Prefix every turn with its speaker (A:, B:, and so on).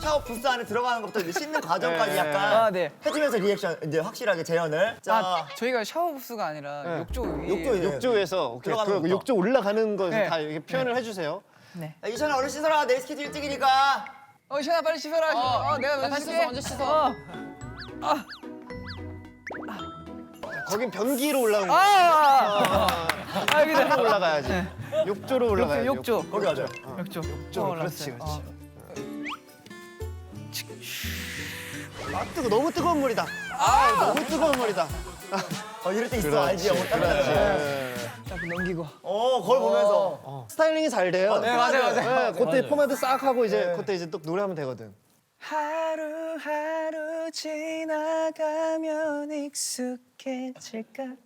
A: 샤워 부스 안에 들어가는 것부터 이제 씻는 과정까지
B: 네.
A: 약간
C: 아, 네.
A: 해주면서 리액션 이제 확실하게 재현을. 자,
C: 아, 저희가 샤워 부스가 아니라
B: 네.
C: 욕조 위.
A: 욕조
B: 욕조에서 오케이.
A: 들어가는
B: 그
A: 것부터.
B: 욕조 올라가는 거
C: 네.
B: 다 이렇게 표현을 해주세요.
C: 네.
A: 야, 이찬아 얼른 씻어라. 내일 스케줄 일찍이니까.
C: 시현아 빨리 씻어라. 내가 먼저 씻을게.
D: 먼저 씻어.
B: 거긴 변기로 올라오는 거.
C: 여기다.
B: 욕조로 올라가야지. 욕조로 올라가야지.
C: 욕조.
A: 거기 맞아요.
C: 욕조.
B: 그렇지, 그렇지. 아, 너무 뜨거운 물이다. 너무 뜨거운 물이다.
A: 이럴 때 있어. 알지? 영어 딱.
C: 딱 넘기고.
A: 거울 보면서.
B: 스타일링이 잘 돼요.
A: 네, 맞아요.
B: 네, 그때 포마드 싹 하고 이제 그때 이제 또 노래하면 되거든.
C: 하루하루 지나가면 익숙해질까